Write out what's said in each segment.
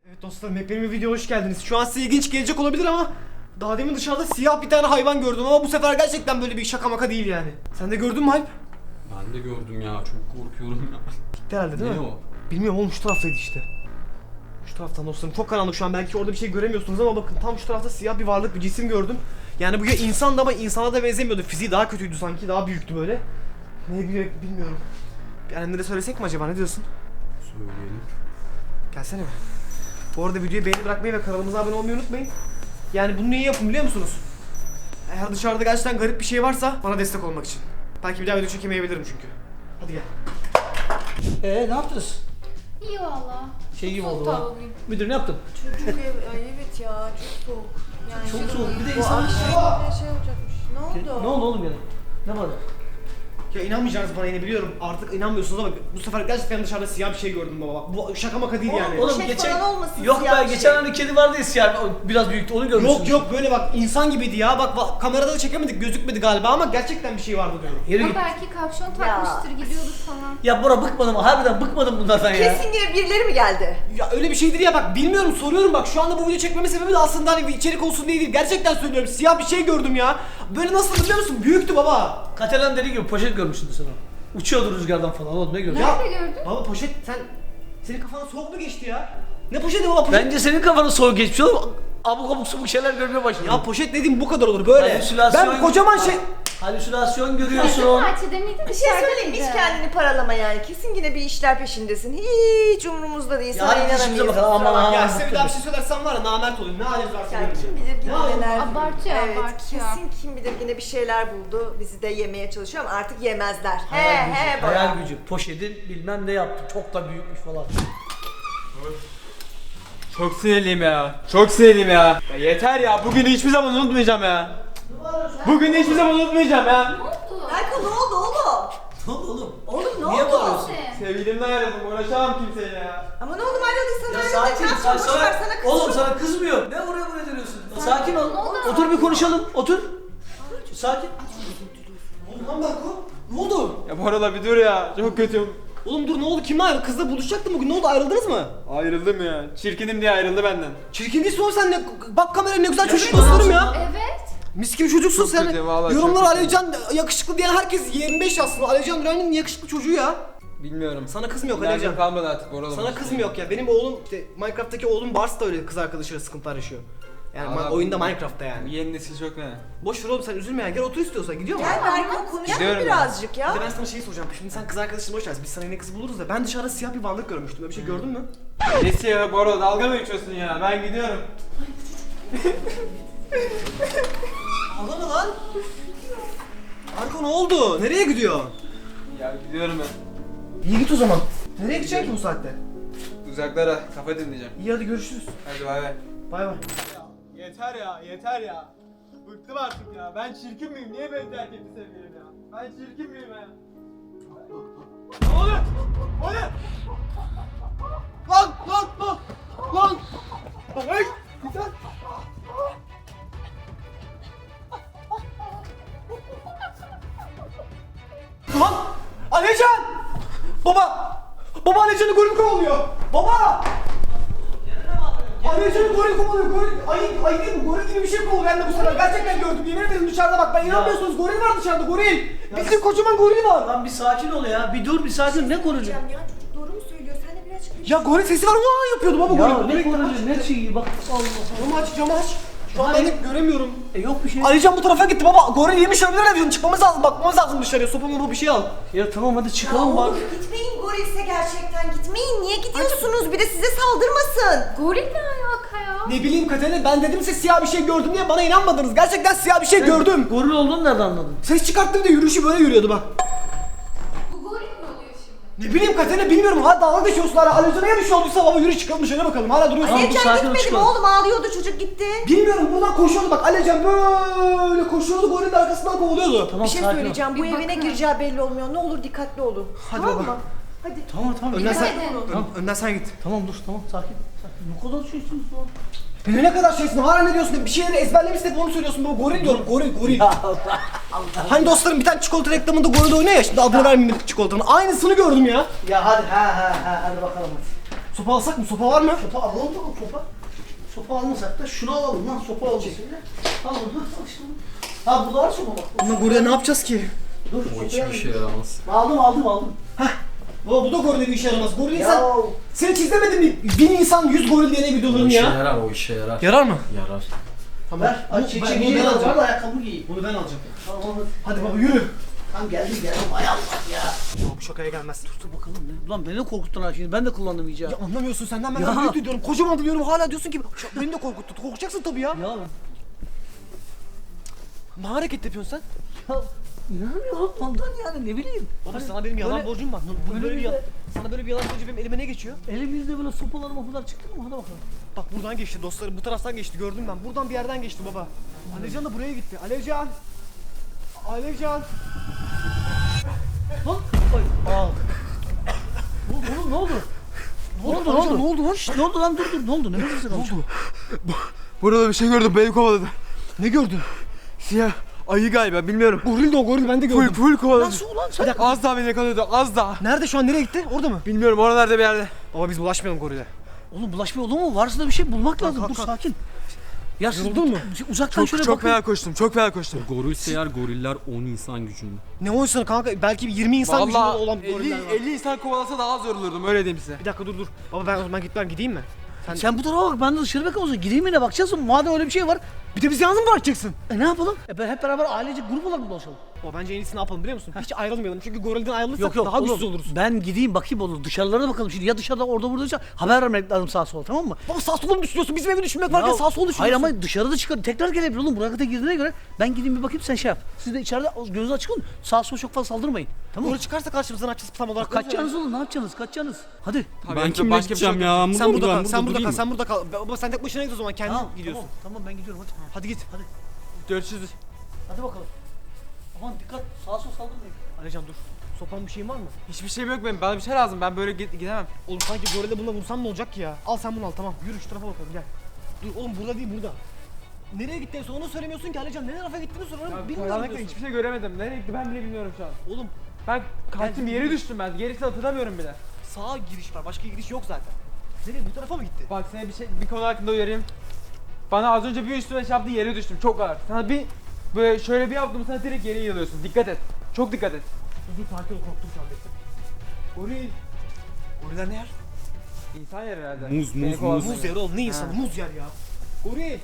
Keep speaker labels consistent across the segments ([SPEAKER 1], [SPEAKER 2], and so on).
[SPEAKER 1] Evet dostlarım, hepiniz bir videoya hoş geldiniz. Şu an size ilginç gelecek olabilir ama daha demin dışarıda siyah bir tane hayvan gördüm ama bu sefer gerçekten böyle bir şaka maka değil yani. Sen de gördün mü Alp?
[SPEAKER 2] Ben de gördüm ya, çok korkuyorum ya.
[SPEAKER 1] Gitti herhalde değil
[SPEAKER 2] Ne
[SPEAKER 1] mi?
[SPEAKER 2] o?
[SPEAKER 1] Bilmiyorum oğlum, şu taraftaydı işte. Şu taraftan dostlarım, çok karanlık şu an, belki orada bir şey göremiyorsunuz ama bakın tam şu tarafta siyah bir varlık, bir cisim gördüm. Yani bu ya insandı ama insana da benzemiyordu, fiziği daha kötüydü sanki, daha büyüktü böyle. Ne bilmiyorum. Bir annemlere söylesek mi acaba, ne diyorsun?
[SPEAKER 2] Söyleyelim.
[SPEAKER 1] Gelsene mi? Bu arada videoyu beğeni bırakmayı ve kanalımıza abone olmayı unutmayın. Yani bunu niye yapın biliyor musunuz? Eğer dışarıda gerçekten garip bir şey varsa bana destek olmak için. Belki bir daha video çekemeyebilirim çünkü. Hadi gel.
[SPEAKER 3] Ne yaptınız?
[SPEAKER 4] İyi valla.
[SPEAKER 3] Şey gibi
[SPEAKER 4] Soğuk
[SPEAKER 3] oldu lan.
[SPEAKER 4] tavuğuyum.
[SPEAKER 3] Müdür ne yaptın?
[SPEAKER 5] Çocuk ev, ay evet ya çok soğuk. Yani
[SPEAKER 3] Çok soğuk. Bir de
[SPEAKER 5] bu
[SPEAKER 3] insan...
[SPEAKER 5] akşam bir şey olacakmış. Ne oldu?
[SPEAKER 3] Ne oldu oğlum yani? Ne var?
[SPEAKER 1] Ya inanmayacaksınız bana, yine biliyorum. Artık inanmıyorsunuz ama bu sefer gerçekten dışarıda siyah bir şey gördüm baba. Bu şaka maka değil yani.
[SPEAKER 3] Oğlum
[SPEAKER 5] Poşet
[SPEAKER 3] geçen...
[SPEAKER 5] falan olmasın,
[SPEAKER 3] Yok
[SPEAKER 5] siyah
[SPEAKER 3] be,
[SPEAKER 5] bir
[SPEAKER 3] geçen
[SPEAKER 5] şey.
[SPEAKER 3] hani kedi vardı ya siyah, biraz büyüktü, onu görmüşsün.
[SPEAKER 1] Yok böyle bak insan gibiydi ya. Bak kamerada da çekemedik, gözükmedi galiba ama gerçekten bir şey vardı diyorum.
[SPEAKER 3] Yürü
[SPEAKER 4] Ama
[SPEAKER 3] git.
[SPEAKER 4] belki kapşon takmıştır, gidiyordur falan.
[SPEAKER 3] Ya Bora bıkmadım, harbiden bıkmadım bunlardan ya.
[SPEAKER 5] Kesin yine birileri mi geldi?
[SPEAKER 1] Ya öyle bir şeydir ya, bak bilmiyorum, soruyorum bak, şu anda bu video çekmemin sebebi de aslında hani bir içerik olsun diye değil, gerçekten söylüyorum, siyah bir şey gördüm ya. Böyle nasıl biliyor musun, büyüktü baba.
[SPEAKER 3] Katalan dediği gibi poşet görmüşsündür sen o. Uçuyordu rüzgardan falan oğlum, ne gördün?
[SPEAKER 4] Nerede gördün?
[SPEAKER 1] Baba poşet, senin kafana soğuk mu geçti ya? Ne poşeti baba, poşet?
[SPEAKER 3] Bence senin kafanın soğuk geçmiş oğlum. Abuk abuk subuk şeyler görmeye başladın.
[SPEAKER 1] Ya poşet dediğim bu kadar olur böyle.
[SPEAKER 3] Halüsinasyon-
[SPEAKER 1] Ben kocaman şey...
[SPEAKER 3] Halüsinasyon
[SPEAKER 4] Bizim
[SPEAKER 3] görüyorsun.
[SPEAKER 4] bahçede miydi?
[SPEAKER 5] Bir şey söyleyeyim, hiç kendini paralama yani. Kesin yine bir işler peşindesin. Hiç umurumuzda değil.
[SPEAKER 3] Ya
[SPEAKER 5] Sana
[SPEAKER 3] hadi işimize
[SPEAKER 5] inanamayız.
[SPEAKER 3] bakalım, aman
[SPEAKER 5] Kusura
[SPEAKER 3] aman.
[SPEAKER 5] bakma.
[SPEAKER 1] Ya size bir daha bir şey söylersem var ya, namert olayım, ne haliniz varsa
[SPEAKER 5] Yani
[SPEAKER 1] görün.
[SPEAKER 5] kim bilir yine
[SPEAKER 1] Ya,
[SPEAKER 5] neler.
[SPEAKER 4] abartıyor,
[SPEAKER 5] Evet,
[SPEAKER 4] abartıyor.
[SPEAKER 5] kesin kim bilir yine bir şeyler buldu. Bizi de yemeye çalışıyor ama artık yemezler.
[SPEAKER 3] Hayal gücü. Poşetin bilmem ne yaptı. Çok da büyükmüş falan.
[SPEAKER 6] Çok sinirliyim ya. Çok sinirliyim ya. Ya yeter ya. Bugünü hiçbir zaman unutmayacağım ya. Bugünü hiçbir zaman unutmayacağım ya.
[SPEAKER 4] Ne oldu?
[SPEAKER 5] Berko ne oldu oğlum?
[SPEAKER 3] Ne oldu oğlum?
[SPEAKER 5] Oğlum ne
[SPEAKER 3] Niye
[SPEAKER 5] oldu?
[SPEAKER 3] bağırıyorsun?
[SPEAKER 6] Sevgilimden ayrıldım. Uğraşamam kimseyle ya.
[SPEAKER 5] Ama ne oldu ayrıldıysan
[SPEAKER 3] Ya
[SPEAKER 5] ayrıldın.
[SPEAKER 3] sakin,
[SPEAKER 5] Boş ver sana kızım.
[SPEAKER 3] Oğlum sana kızmıyor. Ne buraya dönüyorsun? Sakin ol.
[SPEAKER 4] Ne oldu?
[SPEAKER 3] Otur bir konuşalım. Otur. Sakin.
[SPEAKER 1] Ne oldu lan Berko? Ne oldu?
[SPEAKER 6] Ya bu arada bir dur ya. Çok kötüyüm.
[SPEAKER 1] Oğlum dur, ne oldu, kimle ayrıldın? Kızla buluşacaktın bugün, ne oldu, ayrıldınız mı?
[SPEAKER 6] Ayrıldım ya. Çirkinim diye ayrıldı benden.
[SPEAKER 1] Çirkin değilsin oğlum sen, ne, bak kameraya, ne güzel çocuk dostlarım ya.
[SPEAKER 4] Evet.
[SPEAKER 1] Mis gibi çocuksun
[SPEAKER 6] Çok
[SPEAKER 1] sen.
[SPEAKER 6] kötü, vallahi
[SPEAKER 1] Yorumlar
[SPEAKER 6] çok kötü.
[SPEAKER 1] Alevcan yakışıklı diyen herkes 25 aslında. Alevcan Duran'ın yakışıklı çocuğu ya.
[SPEAKER 6] Bilmiyorum.
[SPEAKER 1] Sana kız mı yok
[SPEAKER 6] İnancım
[SPEAKER 1] Alevcan?
[SPEAKER 6] kalmadı artık bu arada.
[SPEAKER 1] Sana kız mı yok ya? Benim oğlum işte Minecraft'taki oğlum Bars da öyle, kız arkadaşıyla sıkıntılar yaşıyor. Yani
[SPEAKER 6] Allah
[SPEAKER 1] oyunda
[SPEAKER 6] Allah.
[SPEAKER 1] Minecraft'ta
[SPEAKER 6] Bu
[SPEAKER 1] yani.
[SPEAKER 6] yeni nesil çok ne?
[SPEAKER 1] Boş ver oğlum, sen üzülme ya. Gel otur istiyorsan, gidiyor mu?
[SPEAKER 5] Gel Berko konuşalım
[SPEAKER 6] Gidiyorum ya.
[SPEAKER 5] birazcık
[SPEAKER 1] Bir
[SPEAKER 5] ya.
[SPEAKER 1] de ben sana şey soracağım. Şimdi sen kız arkadaşını boş ver. Biz sana yine kız buluruz da. Ben dışarıda siyah bir varlık görmüştüm. Böyle bir şey gördün mü?
[SPEAKER 6] Nesi ya bu arada, dalga mı geçiyorsun ya? Ben gidiyorum.
[SPEAKER 1] Ağlama lan. Arko ne oldu? Nereye gidiyor?
[SPEAKER 6] Ya gidiyorum ben.
[SPEAKER 1] İyi git o zaman. Nereye gideceksin ki bu saatte?
[SPEAKER 6] Uzaklara kafa dinleyeceğim.
[SPEAKER 1] İyi hadi görüşürüz.
[SPEAKER 6] Hadi bay bay.
[SPEAKER 1] Bay bay.
[SPEAKER 6] Yeter ya, yeter ya. Bıktım artık ya. Ben çirkin miyim? Niye beni terk etti sevgilim ya? Ben çirkin miyim ya? Ne oluyor? O ne? Lan! Lan! Hey! Güzel!
[SPEAKER 1] Lan! Alevcan! Baba! Baba Alevcan'ı goril kovalıyor! Baba! Alevcan'ı goril kovalıyor, goril! Ayı değil mi? Goril gibi bir şey kovalıyor, ben de bu sefer gerçekten gördüm, yemin ederim dışarıda bak, ben inanmıyorsunuz, goril var dışarıda, goril! Bizim kocaman goril var!
[SPEAKER 3] Lan bir sakin ol ya. Bir dur, bir sakin. Ne konuşuyorsun?
[SPEAKER 5] Ya çocuk doğru mu söylüyor? Sen de biraz açıklayın.
[SPEAKER 1] Ya goril sesi var, vaa yapıyordu baba
[SPEAKER 3] Ya
[SPEAKER 1] goril!
[SPEAKER 3] ne konuşuyorsun? Ne şeyi bak. Allah Allah.
[SPEAKER 1] Camı aç! Şu an ben de göremiyorum.
[SPEAKER 3] Yok bir şey.
[SPEAKER 1] Alican bu tarafa gitti baba, goril yemiş olabilir Alican, çıkmamız lazım, bakmamız lazım dışarıya, sopa mopa bir şey al.
[SPEAKER 3] Ya tamam hadi
[SPEAKER 5] Ya
[SPEAKER 3] çıkalım bak.
[SPEAKER 5] oğlum gitmeyin gorilse gerçekten gitmeyin. Niye gidiyorsunuz? Bir de size saldırmasın.
[SPEAKER 4] Goril ne alaka ya?
[SPEAKER 1] Ne bileyim Katerina, ben dedim size siyah bir şey gördüm diye, bana inanmadınız, gerçekten siyah bir şey gördüm.
[SPEAKER 3] Goril olduğunu nereden anladın?
[SPEAKER 1] Ses çıkarttı, bir de yürüyüşü böyle yürüyordu bak.
[SPEAKER 4] Bu goril mi oluyor şimdi?
[SPEAKER 1] Ne bileyim Katerina, bilmiyorum, hala dalga geçiyorsun hala, Alican'a ya bir şey olduysa baba, yürü çıkalım dışarı bakalım, hala duruyorsun.
[SPEAKER 3] Tamam, dur,
[SPEAKER 5] Alican
[SPEAKER 3] sakin ol,
[SPEAKER 5] gitmedi mi
[SPEAKER 3] çıkalım.
[SPEAKER 5] oğlum? Ağlıyordu çocuk gitti.
[SPEAKER 1] Bilmiyorum, buradan koşuyordu bak, Alican böyle koşuyordu, gorilin de arkasından kovalıyordu.
[SPEAKER 3] Tamam
[SPEAKER 5] Bir şey
[SPEAKER 3] sakin ol.
[SPEAKER 5] söyleyeceğim. Bu
[SPEAKER 4] Bir
[SPEAKER 5] eve ne
[SPEAKER 4] bakın.
[SPEAKER 5] gireceği belli olmuyor. Ne olur dikkatli olun.
[SPEAKER 1] Hadi
[SPEAKER 5] tamam
[SPEAKER 1] baba.
[SPEAKER 5] mı? Hadi.
[SPEAKER 3] Tamam.
[SPEAKER 1] Önden sen,
[SPEAKER 4] Dikkat edin.
[SPEAKER 1] önden sen git.
[SPEAKER 3] Tamam dur tamam sakin. Ne kadar şeysiniz lan.
[SPEAKER 1] Ne kadar şeysin, hala ne diyorsun, bir şeyleri ezberlemişsin hep onu söylüyorsun baba, goril diyorum, goril. Hani dostlarım bir tane çikolata reklamında goril oynuyor ya, şimdi adını vermeyeyim çikolatanın, aynısını gördüm ya.
[SPEAKER 3] Ya hadi hadi bakalım hadi.
[SPEAKER 1] Sopa alsak mı? Sopa var mı?
[SPEAKER 3] Sopa alalım bakalım sopa. Sopa almasak da şunu alalım lan sopa alalım. Al bunu al işte bunu. Ha burada var sopa bak.
[SPEAKER 1] Bundan gorille ne yapacağız ki?
[SPEAKER 3] Dur
[SPEAKER 2] O
[SPEAKER 3] sopayı
[SPEAKER 2] hiçbir
[SPEAKER 3] alayım.
[SPEAKER 2] şey yaramaz.
[SPEAKER 3] Aldım.
[SPEAKER 1] Baba bu da gorille bir işe yaramaz. Goril
[SPEAKER 3] Ya.
[SPEAKER 1] insan... Sen hiç izlemedin mi? 1000 insan 100 goril diye
[SPEAKER 2] O
[SPEAKER 1] videolarını
[SPEAKER 2] işe
[SPEAKER 1] ya.
[SPEAKER 2] yarar, o işe yarar.
[SPEAKER 1] Yarar mı?
[SPEAKER 2] Yarar.
[SPEAKER 1] Tamam.
[SPEAKER 3] Ver.
[SPEAKER 1] Bunu-
[SPEAKER 3] Aç
[SPEAKER 1] bunu
[SPEAKER 3] çekeceği
[SPEAKER 1] ben
[SPEAKER 3] var
[SPEAKER 1] alacağım.
[SPEAKER 3] da ayakkabı giy.
[SPEAKER 1] Bunu ben alacağım.
[SPEAKER 3] Tamam
[SPEAKER 1] Hadi baba yürü.
[SPEAKER 3] Tamam geldim. Hay Allah ya.
[SPEAKER 1] Baba bu şakaya gelmez.
[SPEAKER 3] Dur bakalım ne? Ulan beni korkuttun ha şimdi. Ben de kullandım iyice.
[SPEAKER 1] Ya anlamıyorsun senden ben
[SPEAKER 3] Ya.
[SPEAKER 1] daha büyük diyorum. Kocaman diyorum hala diyorsun ki beni de korkuttun. Korkacaksın tabii ya.
[SPEAKER 3] Ya.
[SPEAKER 1] Ne hareket yapıyorsun sen?
[SPEAKER 3] Ya inanamıyorum ondan yani ne bileyim.
[SPEAKER 1] Baba
[SPEAKER 3] Hani
[SPEAKER 1] sana benim yalan
[SPEAKER 3] böyle-
[SPEAKER 1] borcum var.
[SPEAKER 3] böyle
[SPEAKER 1] Böyle bir
[SPEAKER 3] bir de-
[SPEAKER 1] sana böyle bir yalan borcu benim elime ne geçiyor?
[SPEAKER 3] Elimizde böyle sopalar mopalar çıktı mı? Hadi bakalım.
[SPEAKER 1] Bak buradan geçti dostlarım bu taraftan geçti gördüm ben. Buradan bir yerden geçti baba. Alevcan da buraya gitti. Alevcan. Alevcan.
[SPEAKER 3] Lan. Ay. Aa. Oğlum ne oldu? Ne oldu?
[SPEAKER 1] Alevcan, ne oldu lan?
[SPEAKER 3] Şşt, ne oldu lan dur ne oldu? Ne oldu?
[SPEAKER 6] Burada bir şey gördüm, beni kovaladı.
[SPEAKER 1] Ne gördün?
[SPEAKER 6] Siyah ayı galiba, bilmiyorum.
[SPEAKER 1] Goril de o goril ben de gördüm.
[SPEAKER 6] Full kovaladı.
[SPEAKER 3] Nasıl ulan sen?
[SPEAKER 6] Az daha beni yakalıyordu, az daha.
[SPEAKER 1] Nerede şu an nereye gitti? Orada mı?
[SPEAKER 6] Bilmiyorum, oralarda bir yerde.
[SPEAKER 1] Baba biz bulaşmayalım gorile.
[SPEAKER 3] Oğlum bulaşma olur mu? Varsa da bir şey bulmak lazım.
[SPEAKER 1] kalk,
[SPEAKER 3] Dur
[SPEAKER 1] kalk.
[SPEAKER 3] sakin. Ya siz
[SPEAKER 1] Yoruldun mu?
[SPEAKER 3] Uzaktan şöyle
[SPEAKER 6] Çok
[SPEAKER 3] bakın.
[SPEAKER 6] fena koştum, çok fena koştum.
[SPEAKER 2] Goril eğer goriller 10 insan gücünde.
[SPEAKER 1] Ne oysun kanka belki bir 20 insan gücünde
[SPEAKER 6] Vallahi
[SPEAKER 1] olan
[SPEAKER 6] 50,
[SPEAKER 1] goriller var.
[SPEAKER 6] 50 insan kovalasa daha az yorulurdum, öyle diyeyim size.
[SPEAKER 1] Bir dakika dur. Baba ben o zaman gideyim mi?
[SPEAKER 3] Sen bu tarafa bak ben de dışarı bakalım o zaman. Gideyim yine bakacağız mı? Madem öyle bir şey var.
[SPEAKER 1] Bir de bizi yalnız mı bırakacaksın?
[SPEAKER 3] Ne yapalım? Hep beraber ailece grup olarak mı dolaşalım?
[SPEAKER 1] O bence en iyisi ne yapalım biliyor musun? Hiç ayrılmayalım çünkü gorilden ayrılırsak
[SPEAKER 3] Yok
[SPEAKER 1] daha
[SPEAKER 3] oğlum,
[SPEAKER 1] güçsüz oluruz.
[SPEAKER 3] Ben gideyim bakayım olur. Dışarılara da bakalım şimdi. Ya dışarıda orada buradaysa haber vermek lazım sağa sola tamam mı?
[SPEAKER 1] Baba sağ sola mı düşünüyorsun? Bizim evi düşünmek varken
[SPEAKER 3] Ya,
[SPEAKER 1] sağ sola düşünüyorsun.
[SPEAKER 3] Hayır ama dışarıda çıkar. Tekrar gelebilir oğlum. Buraya kadar girdiğine göre ben gideyim bir bakayım sen şey yap. Siz de içeride gözünüz açık olun. Sağa sola çok fazla saldırmayın. Tamam mı?
[SPEAKER 1] Goril çıkarsa karşımıza ne yapacağız tam olarak?
[SPEAKER 3] Kaçacaksınız oğlum ne yapacaksınız? Kaçacaksınız. Hadi.
[SPEAKER 2] Ben kimle gideceğim ya?
[SPEAKER 1] Sen burada kal,
[SPEAKER 2] Ben
[SPEAKER 1] sen burada kal,
[SPEAKER 2] durayım mı?
[SPEAKER 1] sen burada kal. Baba sen tek başına git o zaman kendin gidiyorsun.
[SPEAKER 3] Tamam ben gidiyorum hadi.
[SPEAKER 1] Hadi git.
[SPEAKER 6] Görüşürüz.
[SPEAKER 3] Hadi bakalım. Aman dikkat sağa sola saldırmayın.
[SPEAKER 1] Alican dur. Sopan bir şeyin var mı?
[SPEAKER 6] Hiçbir şeyim yok benim, bana bir şey lazım, ben böyle gidemem.
[SPEAKER 1] Oğlum sanki gorile bununla vursam ne olacak ki ya? Al sen bunu al tamam. Yürü şu tarafa bakalım gel. Dur oğlum burada değil burada. Nereye gitti en son onu söylemiyorsun ki Alican. Ne tarafa gittiğini sorarım. Bilmiyorum
[SPEAKER 6] Karanlıkta
[SPEAKER 1] diyorsun.
[SPEAKER 6] hiçbir şey göremedim, nereye gitti ben bile bilmiyorum şu an.
[SPEAKER 1] Oğlum
[SPEAKER 6] Ben kaçtım,
[SPEAKER 1] Gel,
[SPEAKER 6] yere
[SPEAKER 1] yürü.
[SPEAKER 6] düştüm ben, gerisini hatırlamıyorum bile.
[SPEAKER 1] sağa giriş var. Başka giriş yok zaten. Nereye bu tarafa mı gitti?
[SPEAKER 6] Bak sana bir konu hakkında uyarayım. Bana az önce bir üstüme çarptı, yere düştüm, çok ağır. Sana bir böyle şöyle bir yaptım, sana direkt yere yığılıyorsun, dikkat et. Çok dikkat et.
[SPEAKER 1] Dur sakin ol korktum şu an bekle. Goril. Goriller ne yer?
[SPEAKER 6] İnsan yer herhalde.
[SPEAKER 2] Muz,
[SPEAKER 6] Beni
[SPEAKER 2] muz,
[SPEAKER 6] kovalasın.
[SPEAKER 1] Muz yer oğlum ne insanı
[SPEAKER 6] Ha.
[SPEAKER 1] muz yer ya. Goril.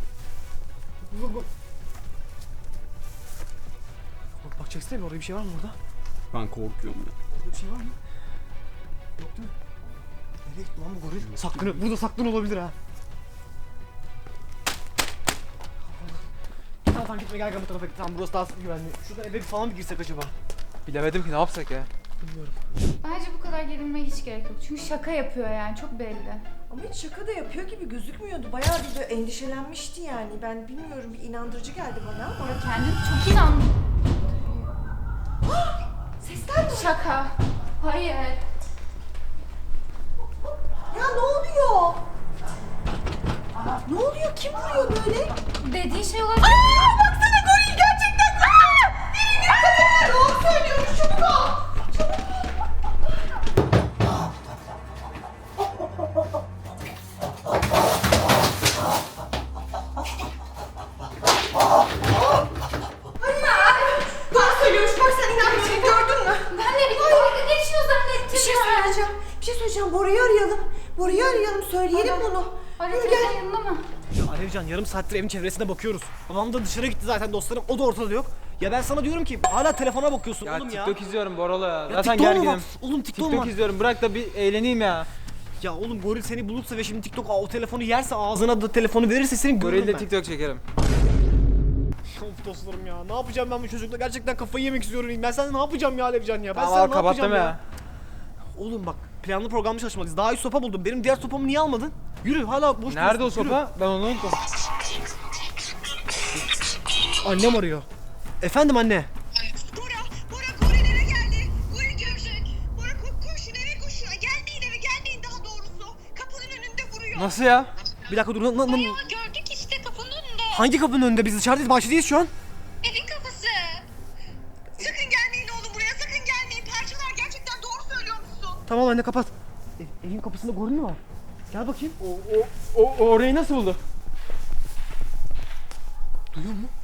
[SPEAKER 1] Bak çeksene bir orada bir şey var mı orada?
[SPEAKER 2] Ben korkuyorum ya.
[SPEAKER 1] Orada bir şey var mı? Yok değil mi? Nereye gitti lan bu goril? Saklanıyor. Burada saklan olabilir ha. Tamam gitme gel bu tarafa git. Tamam burası daha güvenli. Şurada eve falan mı girsek acaba?
[SPEAKER 6] Bilemedim ki ne yapsak ya.
[SPEAKER 1] Bilmiyorum.
[SPEAKER 4] Bence bu kadar gerilmeye hiç gerek yok. Çünkü şaka yapıyor yani çok belli.
[SPEAKER 5] Ama hiç şaka da yapıyor gibi gözükmüyordu. Bayağı bir de endişelenmişti yani. Ben bilmiyorum, bir inandırıcı geldi bana ama.
[SPEAKER 4] Orada kendini çok inan.
[SPEAKER 5] Sesler mi?
[SPEAKER 4] Şaka. Hayır.
[SPEAKER 5] Ya ne oluyor? Ne oluyor? Kim vuruyor böyle?
[SPEAKER 4] Dediğin şey olabilir.
[SPEAKER 5] Baksana goril gerçekten. Biri dikkat et. Doğru söylüyormuş. Çabuk ol. Doğru söylüyormuş. Bak sen inanmışsın. Gördün mü?
[SPEAKER 4] Ben de bir dalga geçiyor zannettim
[SPEAKER 5] Bir şey
[SPEAKER 4] ya.
[SPEAKER 5] söyleyeceğim. Bir şey söyleyeceğim. Bora'yı arayalım. Bora'yı arayalım. Söyleyelim bunu.
[SPEAKER 4] Arada
[SPEAKER 5] Yürü gel.
[SPEAKER 4] yanında mı?
[SPEAKER 1] Ya Alevcan yarım saattir evin çevresine bakıyoruz. Babam da dışarı gitti zaten dostlarım. O da ortada yok. Ya ben sana diyorum ki hala telefona bakıyorsun
[SPEAKER 6] Ya
[SPEAKER 1] oğlum ya.
[SPEAKER 6] TikTok izliyorum Boralo ya.
[SPEAKER 1] Ya
[SPEAKER 6] Zaten
[SPEAKER 1] TikTok'a mı
[SPEAKER 6] gerginim.
[SPEAKER 1] bak? Oğlum TikTok mu
[SPEAKER 6] TikTok
[SPEAKER 1] var?
[SPEAKER 6] izliyorum, bırak da bir eğleneyim ya.
[SPEAKER 1] Ya oğlum goril seni bulursa ve şimdi TikTok o telefonu yerse ağzına da telefonu verirse seni görürüm
[SPEAKER 6] Gorille
[SPEAKER 1] ben.
[SPEAKER 6] TikTok çekerim.
[SPEAKER 1] Of dostlarım ya ne yapacağım ben bu çocukla gerçekten kafayı yemek istiyorum. Ben sana ne yapacağım ya Alevcan ya? Ben
[SPEAKER 6] Tamam
[SPEAKER 1] sana
[SPEAKER 6] al,
[SPEAKER 1] ne
[SPEAKER 6] kapattım
[SPEAKER 1] yapacağım
[SPEAKER 6] ya.
[SPEAKER 1] Oğlum bak planlı programlı çalışmalıyız. Daha iyi sopa buldum. Benim diğer sopamı niye almadın? Yürü hala boş
[SPEAKER 6] Nerede o
[SPEAKER 1] duruyorsun, yürü.
[SPEAKER 6] sopa? Ben onu unuttum.
[SPEAKER 1] Annem arıyor. Efendim anne.
[SPEAKER 7] Bora goril eve geldi. Goril görecek. Bora koşun eve koşun. Gelmeyin eve gelmeyin daha doğrusu. Kapının önünde vuruyor.
[SPEAKER 6] Nasıl ya?
[SPEAKER 1] Bir dakika dur.
[SPEAKER 7] Bayağı gördük işte kapının önünde.
[SPEAKER 1] Hangi kapının önünde? Biz dışarıdayız, bahçedeyiz şu an.
[SPEAKER 7] Evin kapısı. Sakın gelmeyin oğlum buraya sakın gelmeyin. Parçalar gerçekten doğru söylüyor musun?
[SPEAKER 1] Tamam anne kapat. Evin kapısında goril mi var? Gel bakayım. O orayı nasıl buldu? Duyuyor mu?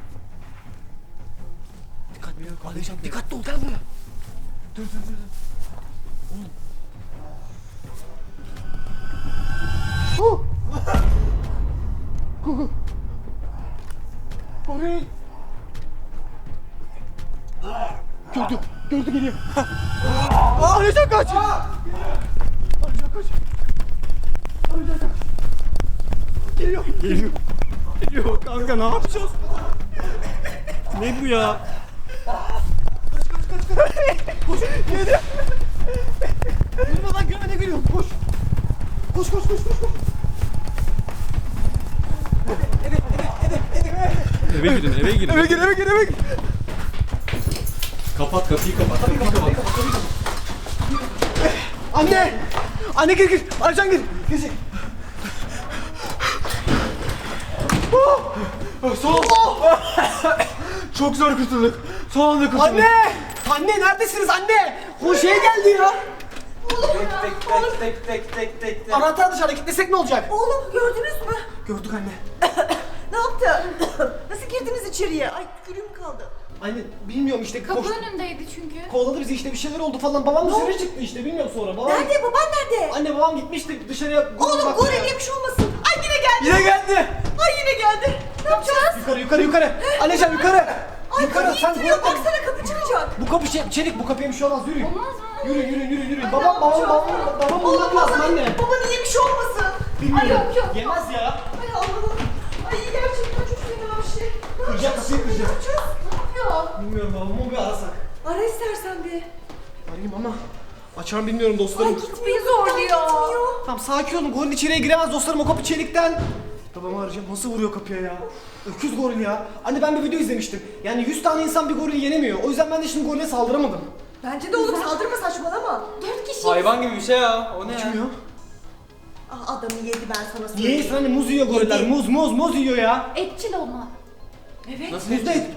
[SPEAKER 1] Dikkatli ol, gel buraya. Dur. Oğlum. Goril. Gördü geliyor. Arayacak kaç. Geliyor. Kanka ne yapacağız?
[SPEAKER 2] Ne bu ya?
[SPEAKER 1] Durmadan görmene geliyor. Koş. Koş.
[SPEAKER 2] Eve girin.
[SPEAKER 1] Eve gir.
[SPEAKER 2] Kapat kapıyı kapat.
[SPEAKER 1] Anne gir. Arcan gir. Gir. Çok zor kurtulduk. Son anda kurtulduk. Anne neredesiniz anne? Bu şey geldi ya.
[SPEAKER 6] Tek.
[SPEAKER 1] Anahtar dışarıda, gitmesek ne olacak?
[SPEAKER 5] Oğlum gördünüz mü?
[SPEAKER 1] Gördük anne.
[SPEAKER 5] Ne yaptı? Nasıl girdiniz içeriye? Ay gülüm kaldı.
[SPEAKER 1] Anne bilmiyorum işte.
[SPEAKER 4] Kapı önündeydi çünkü.
[SPEAKER 1] Kovaladı bizi işte, bir şeyler oldu falan. Babam dışarı çıktı işte, bilmiyorum sonra. Babam...
[SPEAKER 5] Nerede? Baban nerede?
[SPEAKER 1] Anne babam gitmişti dışarıya.
[SPEAKER 5] Oğlum
[SPEAKER 1] bakmaya.
[SPEAKER 5] goril yemiş olmasın. Ay yine geldi.
[SPEAKER 1] Yine geldi.
[SPEAKER 5] Ay yine geldi. Ne yapacağız?
[SPEAKER 1] Yukarı. Anneciğim yukarı.
[SPEAKER 5] Ay
[SPEAKER 1] Yukarı,
[SPEAKER 5] kapıyı
[SPEAKER 1] sen
[SPEAKER 5] ittiriyor.
[SPEAKER 1] korkma.
[SPEAKER 5] Baksana kapı çıkacak.
[SPEAKER 1] Bu kapı çelik, bu kapıya bir şey olmaz. Yürü.
[SPEAKER 4] Olmaz mı?
[SPEAKER 1] Yürü.
[SPEAKER 5] Ay,
[SPEAKER 1] Babam
[SPEAKER 5] ne yapacağız?
[SPEAKER 1] bulmak lazım anne.
[SPEAKER 5] Babanı yemiş olmasın.
[SPEAKER 1] Bilmiyorum.
[SPEAKER 4] Ay, yok.
[SPEAKER 1] Yemez ya.
[SPEAKER 5] Ay Allah'ım. Ay gerçekten çok fena bir şey. Ne
[SPEAKER 1] Kıracak,
[SPEAKER 5] yapacağız
[SPEAKER 1] kapıyı
[SPEAKER 5] şimdi? Ne
[SPEAKER 1] kıracak.
[SPEAKER 5] yapacağız?
[SPEAKER 4] Ne yapıyor?
[SPEAKER 1] Bilmiyorum babamı bir arasak.
[SPEAKER 5] Ara istersen bir.
[SPEAKER 1] Arayayım ama açar mı bilmiyorum
[SPEAKER 5] Ay
[SPEAKER 1] dostlarım.
[SPEAKER 5] gitmiyor zorluyor.
[SPEAKER 1] Tamam sakin olun, goril içeriye giremez dostlarım, o kapı çelikten. Babamı arayacağım, nasıl vuruyor kapıya ya? Öküz goril ya. Anne ben bir video izlemiştim. Yani 100 tane insan bir gorili yenemiyor. O yüzden ben de şimdi gorile saldıramadım.
[SPEAKER 5] Bence de oğlum saldırma saçmalama.
[SPEAKER 4] 4 kişi.
[SPEAKER 6] Hayvan gibi bir şey ya. O ne ya?
[SPEAKER 1] Kim ya?
[SPEAKER 5] Ah adamı yedi ben sana
[SPEAKER 1] Niye
[SPEAKER 5] söyleyeyim.
[SPEAKER 1] yesin anne, muz yiyor goriller,
[SPEAKER 5] Yedi.
[SPEAKER 1] muz yiyor ya.
[SPEAKER 4] Etçil olma.
[SPEAKER 5] Evet.
[SPEAKER 6] Nasıl
[SPEAKER 1] Muz da et.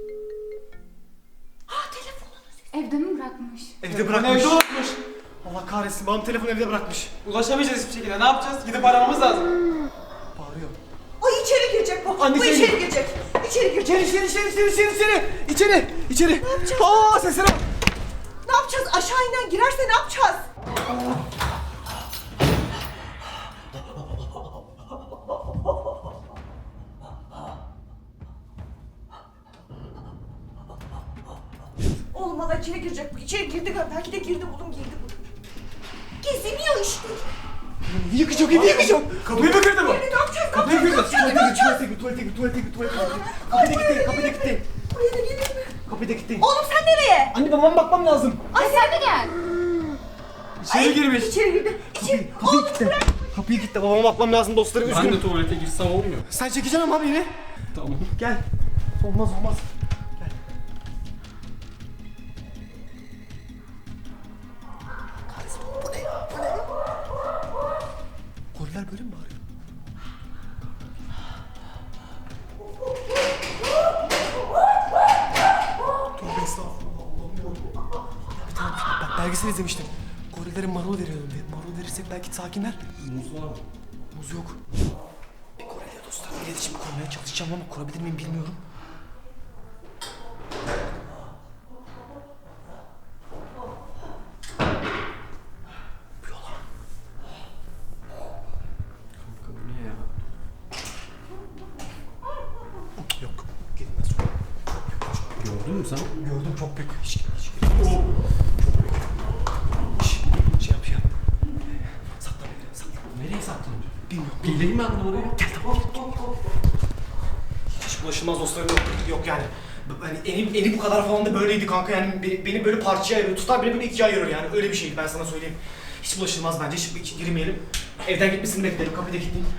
[SPEAKER 5] Ah telefonunu.
[SPEAKER 4] Evde mi bırakmış?
[SPEAKER 1] Evde bırakmış.
[SPEAKER 6] Evde unutmuş.
[SPEAKER 1] Allah kahretsin, babam telefonu evde bırakmış.
[SPEAKER 6] Ulaşamayacağız hiçbir şekilde. Ne yapacağız? Gidip aramamız lazım.
[SPEAKER 1] Bağırıyor.
[SPEAKER 5] Ay içeri girecek bu.
[SPEAKER 1] Anne
[SPEAKER 5] Bu
[SPEAKER 1] içeri
[SPEAKER 5] içeri
[SPEAKER 1] gir.
[SPEAKER 5] girecek. İçeri girecek.
[SPEAKER 1] İçeri. Aa sesine bak.
[SPEAKER 5] Ne yapacağız? Aşağı inen girerse ne yapacağız? Oğlum valla içeri girecek bu. İçeri girdi galiba. Belki de girdi oğlum girdi bu. Geziniyor işte.
[SPEAKER 1] Evi yıkacak.
[SPEAKER 6] Kapıyı mı kırdı bu?
[SPEAKER 5] Ne yapacağız?
[SPEAKER 6] Kapıyı kırdı.
[SPEAKER 1] Tuvalete git. Kapıda gitti.
[SPEAKER 5] Buraya da gelir mi?
[SPEAKER 1] Kapıda gitti.
[SPEAKER 5] Oğlum sen nereye?
[SPEAKER 1] Anne babama bakmam lazım.
[SPEAKER 4] Ay sen de gel.
[SPEAKER 6] İçeri girmiş.
[SPEAKER 5] İçeri girdi. İçeri.
[SPEAKER 1] Kapıyı gitti. Kapıyı gitti. Babama bakmam lazım dostlarım.
[SPEAKER 2] Ben de
[SPEAKER 1] Üzgünüm.
[SPEAKER 2] tuvalete girsem olmuyor.
[SPEAKER 1] Sen çekeceksin ama beni.
[SPEAKER 2] Tamam.
[SPEAKER 1] Gel. Olmaz. Gel. Kahretsin, bu ne ya? Goriller böyle mi bağırıyor? Tövbe estağfurullah. Allah'ım ya. Bir tane bak belgesel izlemiştim. Gorillerin marul veriyorum diye. Marul verirsek belki sakinler.
[SPEAKER 2] Muz var mı?
[SPEAKER 1] Muz yok. Bir gorille dostlarla iletişim kurmaya çalışacağım ama kurabilir miyim bilmiyorum. Bu yola.
[SPEAKER 2] Kanka bu ne ya?
[SPEAKER 1] Yok. Gelmez.
[SPEAKER 2] Gördün mü sen?
[SPEAKER 1] Gördüm, çok büyük. Hiç gelmez. Çok büyük. Şey yap. Sakla beni. Sakla.
[SPEAKER 2] Nereye saklanıyor?
[SPEAKER 1] Bilmiyorum.
[SPEAKER 2] Geleyim ben de oraya.
[SPEAKER 1] Gel tamam. Hiç bulaşılmaz dostlarım yok yani. Hani eni bu kadar falan da böyleydi kanka, yani beni böyle parçaya ayırıyor, tutar beni böyle ikiye ayırıyor yani, öyle bir şeydi, ben sana söyleyeyim. Hiç bulaşılmaz bence, hiç girmeyelim. Evden gitmesini bekleyelim, kapıda kilitleyeyim.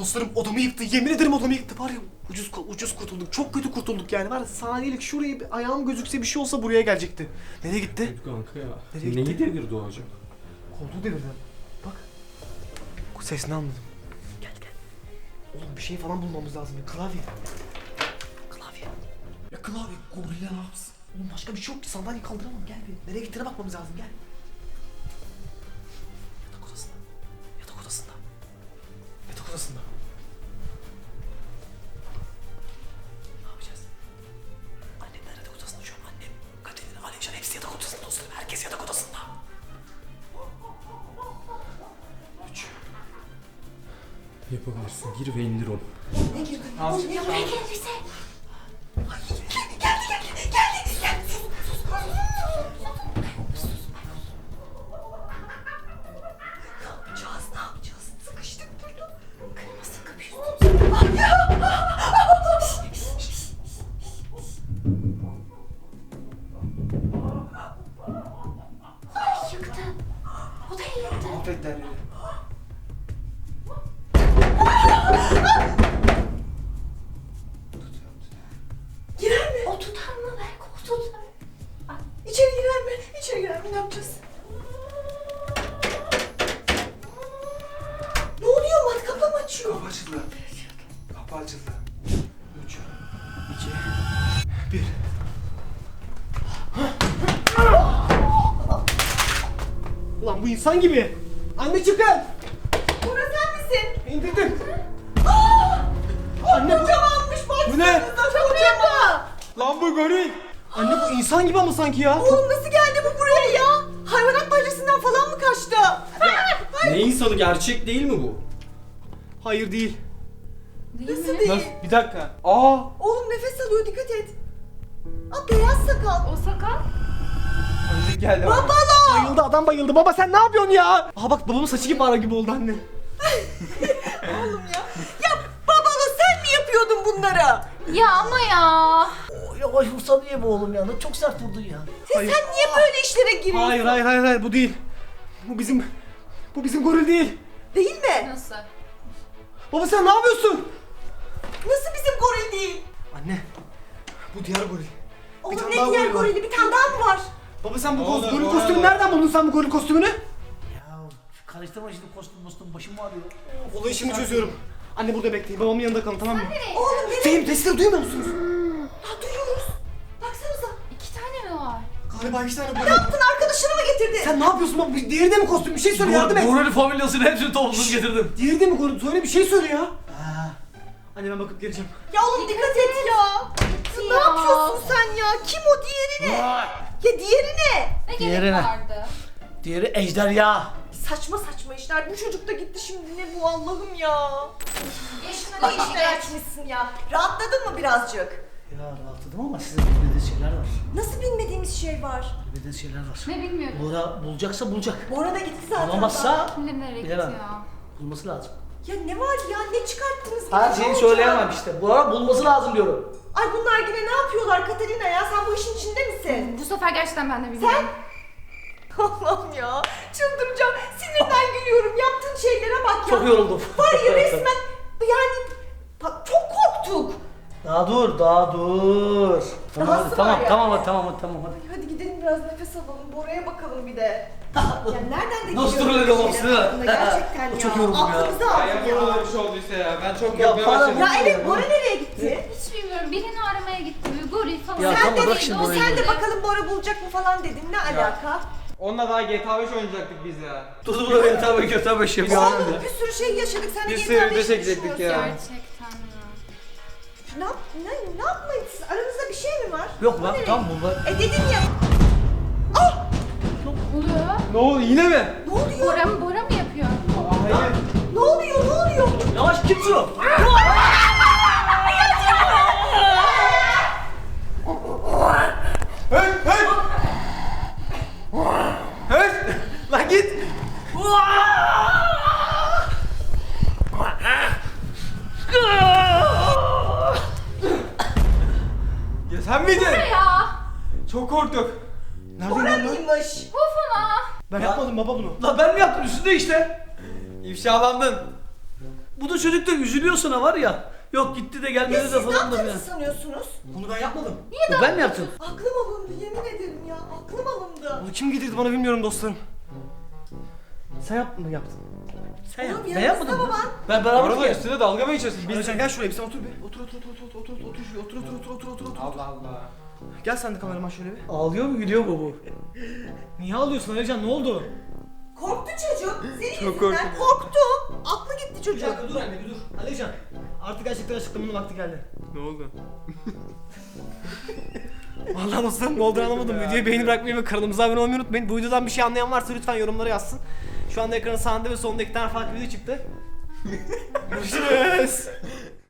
[SPEAKER 1] Dostlarım odamı yıktı. Yemin ederim odamı yıktı. Var ya ucuz kurtulduk. Çok kötü kurtulduk yani. Var ya saniyelik şuraya bir ayağım gözükse bir şey olsa buraya gelecekti. Nereye gitti?
[SPEAKER 2] Kanka ya.
[SPEAKER 1] Nereye
[SPEAKER 2] Neyi
[SPEAKER 1] gitti?
[SPEAKER 2] devirdi o acaba?
[SPEAKER 1] Koltuğu devirdi. Bak. Sesini anladım. Gel. Oğlum bir şey falan bulmamız lazım. Klavye.
[SPEAKER 2] Ya klavye gorilla ne yapsın?
[SPEAKER 1] Oğlum başka bir şey yok ki. Sandalyeyi kaldıramam. Gel bir. Nereye gittiğine bakmamız lazım. Gel. Yatak odasında. Ne yapacağız? Annemler yatak odasında şu an. Annem, Katerina, Alevcan hepsi yatak odasında dostlarım. Herkes yatak odasında. 3.
[SPEAKER 2] Yapabilirsin. Gir ve indir onu.
[SPEAKER 5] Ne yapacağız? Sıkıştık burada. Kırmızı kapıyı.
[SPEAKER 4] Yıktı. O da yıktı.
[SPEAKER 1] Affet Derya'yı.
[SPEAKER 5] Girer mi?
[SPEAKER 4] O tutar mı? Belki o tutar.
[SPEAKER 5] İçeri girer mi? İçeri girer mi? Ne yapacağız? Ne oluyor? Matkapla mı açıyor?
[SPEAKER 1] Kapı açıldı. Kapı açıldı. 3, 2, 1. Ulan bu insan gibi. Anne çıkın.
[SPEAKER 5] Bora sen misin?
[SPEAKER 1] İndirdim.
[SPEAKER 5] Anne kocamanmış bak.
[SPEAKER 1] Bu ne?
[SPEAKER 5] Kocaman.
[SPEAKER 1] Lan bu goril. Anne bu insan gibi ama sanki ya.
[SPEAKER 5] Oğlum nasıl geldi bu buraya ya? Hayvanat bahçesinden falan mı kaçtı?
[SPEAKER 2] Ne insanı, gerçek değil mi bu?
[SPEAKER 1] Hayır değil.
[SPEAKER 5] Nasıl değil?
[SPEAKER 1] Bir dakika. Aa.
[SPEAKER 5] Oğlum nefes alıyor dikkat et. Aa beyaz sakal.
[SPEAKER 4] O sakal.
[SPEAKER 1] Ölecek geldi.
[SPEAKER 5] Babalo.
[SPEAKER 1] Bayıldı adam bayıldı. Baba sen ne yapıyorsun ya? Aha bak babamın saçı gibi ara gibi oldu anne.
[SPEAKER 5] Oğlum ya. Ya babalo sen mi yapıyordun bunları?
[SPEAKER 4] Ya ama ya.
[SPEAKER 3] Yavaş vursa niye bu oğlum ya? Çok sert vurdun ya.
[SPEAKER 5] Sen niye böyle işlere giriyorsun?
[SPEAKER 1] Hayır bu değil. Bu bizim goril değil.
[SPEAKER 5] Değil mi?
[SPEAKER 4] Nasıl?
[SPEAKER 1] Baba sen ne yapıyorsun?
[SPEAKER 5] Nasıl bizim goril değil?
[SPEAKER 1] Anne. Bu diğer goril.
[SPEAKER 5] Oğlum
[SPEAKER 1] tane
[SPEAKER 5] ne
[SPEAKER 1] daha
[SPEAKER 5] diğer
[SPEAKER 1] goril var.
[SPEAKER 5] gorili? Bir tane daha mı var?
[SPEAKER 1] Baba sen bu
[SPEAKER 6] Oğlum,
[SPEAKER 1] goril
[SPEAKER 6] oğlum.
[SPEAKER 1] kostümü nereden buldun sen bu goril kostümünü?
[SPEAKER 3] Ya karıştırma şimdi kostüm başım ağrıyor.
[SPEAKER 1] Olayı şimdi çözüyorum. Anne burada bekleyin. Babamın yanında kalın tamam mı?
[SPEAKER 5] Oğlum nereye?
[SPEAKER 1] Fehim sesleri duymuyor musunuz?
[SPEAKER 5] Ha duyuyoruz. Baksanıza.
[SPEAKER 4] 2 tane mi var?
[SPEAKER 1] Galiba 2 tane goril.
[SPEAKER 5] Ne yaptın? Arkadaşını mı getirdin?
[SPEAKER 1] Sen ne yapıyorsun baba? Diğeri de mi kostüm? Bir şey söyle yardım et.
[SPEAKER 3] Goril familyasını hepsini topladım getirdim.
[SPEAKER 1] Diğeri de mi goril? Söyle bir şey söyle ya. Anne ben bakıp geleceğim.
[SPEAKER 5] Ya oğlum dikkat et ya. Ne
[SPEAKER 4] Ya.
[SPEAKER 5] yapıyorsun sen ya? Kim o? Diğeri ne? Ya diğeri ne?
[SPEAKER 4] Ne
[SPEAKER 3] Diğeri
[SPEAKER 4] gerek
[SPEAKER 3] ne?
[SPEAKER 4] vardı?
[SPEAKER 3] Diğeri ejderha.
[SPEAKER 5] Saçma saçma işler. Bu çocuk da gitti şimdi. Ne bu Allah'ım ya?
[SPEAKER 4] Yaşına
[SPEAKER 5] Ne işler açmışsın ya? Rahatladın mı birazcık?
[SPEAKER 3] Ya rahatladım ama sizin bilmediğiniz şeyler var.
[SPEAKER 5] Nasıl bilmediğimiz şey var?
[SPEAKER 3] Bilmediğiniz şeyler var.
[SPEAKER 4] Ne bilmiyorum.
[SPEAKER 3] Bora bulacaksa bulacak.
[SPEAKER 5] Bora da gitti zaten.
[SPEAKER 3] Bulamazsa
[SPEAKER 4] Kim bilir nereye gitti
[SPEAKER 3] bilemem.
[SPEAKER 4] ya.
[SPEAKER 3] Bulması lazım.
[SPEAKER 5] Ya ne var ya? Ne çıkarttınız?
[SPEAKER 3] Her
[SPEAKER 5] Ne
[SPEAKER 3] şeyi
[SPEAKER 5] olacak?
[SPEAKER 3] söyleyemem işte. Bora bulması lazım diyorum.
[SPEAKER 5] Ay bunlar yine ne yapıyorlar Katerina ya? Sen bu işin içinde misin?
[SPEAKER 4] Bu sefer gerçekten ben de bilmiyorum.
[SPEAKER 5] Allah'ım ya. Çıldıracağım. Sinirden gülüyorum. Yaptığın şeylere bak ya.
[SPEAKER 3] Çok yoruldum.
[SPEAKER 5] Var ya resmen yani bak çok korktuk.
[SPEAKER 3] Daha dur. Tamam
[SPEAKER 5] Dahası
[SPEAKER 3] hadi, tamam,
[SPEAKER 5] var ya.
[SPEAKER 3] tamam hadi.
[SPEAKER 5] Hadi gidelim biraz nefes alalım. Bora'ya bakalım bir de. Ya nereden de
[SPEAKER 3] Nasıl
[SPEAKER 5] geliyor
[SPEAKER 3] duruyor
[SPEAKER 5] böyle
[SPEAKER 3] babası,
[SPEAKER 5] şeyler
[SPEAKER 3] değil mi?
[SPEAKER 5] aklına gerçekten ya.
[SPEAKER 3] Çok yoruldum ya.
[SPEAKER 5] Aklımızı
[SPEAKER 6] Ya
[SPEAKER 5] aldı
[SPEAKER 6] yapma
[SPEAKER 5] ya.
[SPEAKER 6] bir şey olduysa ya. Ben çok
[SPEAKER 3] Ya
[SPEAKER 6] korkmaya
[SPEAKER 3] para-
[SPEAKER 6] başladım.
[SPEAKER 5] Ya evet Bora nereye gitti?
[SPEAKER 4] Hiç bilmiyorum. Birini aramaya gitti. Bir goril falan.
[SPEAKER 3] Ya
[SPEAKER 5] Sen
[SPEAKER 3] tamam,
[SPEAKER 5] de
[SPEAKER 3] bırak
[SPEAKER 5] dedin,
[SPEAKER 3] şimdi
[SPEAKER 5] o
[SPEAKER 3] orayı.
[SPEAKER 5] sen de bakalım Bora bulacak mı falan dedin. Ne alaka?
[SPEAKER 6] Onunla daha GTA 5 oynayacaktık biz ya.
[SPEAKER 3] Dur beni tabii kötü şey
[SPEAKER 5] Oğlum bir sürü şey yaşadık. Sen de
[SPEAKER 6] Bir
[SPEAKER 5] GTA
[SPEAKER 6] sürü
[SPEAKER 5] 5'i
[SPEAKER 6] video çekecektik
[SPEAKER 5] düşünüyorsun.
[SPEAKER 6] ya.
[SPEAKER 4] Gerçekten ya.
[SPEAKER 5] Ne yapmayın siz? Aranızda bir şey mi var?
[SPEAKER 3] Yok
[SPEAKER 5] O
[SPEAKER 3] lan
[SPEAKER 5] nereye
[SPEAKER 3] tamam
[SPEAKER 5] gitti?
[SPEAKER 3] bunlar.
[SPEAKER 5] Dedim ya.
[SPEAKER 4] Ne oluyor?
[SPEAKER 6] Ne oldu yine mi?
[SPEAKER 5] Ne oluyor?
[SPEAKER 4] Bora mı yapıyor?
[SPEAKER 6] Hayır.
[SPEAKER 5] Ne oluyor?
[SPEAKER 3] Yavaş kimsin o?
[SPEAKER 6] Hey hey. Hey. Lan git. Ya sen miydin?
[SPEAKER 4] Ya.
[SPEAKER 6] Çok korktuk.
[SPEAKER 5] Bora mıymış?
[SPEAKER 4] Of ama.
[SPEAKER 1] Ben yapmadım baba bunu.
[SPEAKER 3] Lan ben mi yaptım üstünde işte?
[SPEAKER 6] İfşalandın.
[SPEAKER 3] Bu da çocuk da üzülüyor sana var ya. Yok gitti de
[SPEAKER 5] Ya
[SPEAKER 3] gelmedi
[SPEAKER 5] siz
[SPEAKER 3] de
[SPEAKER 5] ne
[SPEAKER 3] falan da
[SPEAKER 5] yaptığınızı
[SPEAKER 3] yani.
[SPEAKER 5] sanıyorsunuz?
[SPEAKER 1] Bunu ben yapmadım.
[SPEAKER 3] Ben mi yaptım?
[SPEAKER 5] Aklım alındı yemin ederim ya. Aklım alındı.
[SPEAKER 1] Bunu kim getirdi bana bilmiyorum dostlarım. Sen yaptın. Sen
[SPEAKER 5] Oğlum
[SPEAKER 1] yaptın.
[SPEAKER 3] Ben
[SPEAKER 5] yanınızda
[SPEAKER 3] yapmadım.
[SPEAKER 5] baban.
[SPEAKER 3] Ben
[SPEAKER 6] Bu
[SPEAKER 3] beraber
[SPEAKER 6] arada
[SPEAKER 3] geldim.
[SPEAKER 6] üstüne dalga mı geçiyorsun?
[SPEAKER 1] Alican gel şuraya bir sen otur bir. Otur.
[SPEAKER 6] Allah Allah.
[SPEAKER 1] Gel sen de kameraman şöyle bir.
[SPEAKER 3] Ağlıyor mu gülüyor mu bu?
[SPEAKER 1] Niye ağlıyorsun Alican, ne oldu?
[SPEAKER 5] Korktu çocuk. Senin
[SPEAKER 6] Çok
[SPEAKER 5] yüzünden
[SPEAKER 6] korktum.
[SPEAKER 5] korktu. Aklı gitti
[SPEAKER 1] Bir
[SPEAKER 5] çocuk.
[SPEAKER 1] dakika dur anne bir dur. Alican artık gerçekten açıklamanın vakti geldi.
[SPEAKER 6] Ne oldu?
[SPEAKER 1] Vallahi dostlarım ne olduğunu anlamadım. Videoyu beğeni bırakmayı ve kanalımıza abone olmayı unutmayın. Bu videodan bir şey anlayan varsa lütfen yorumlara yazsın. Şu anda ekranın sağında ve solunda 2 tane farklı video çıktı. Görüşürüz.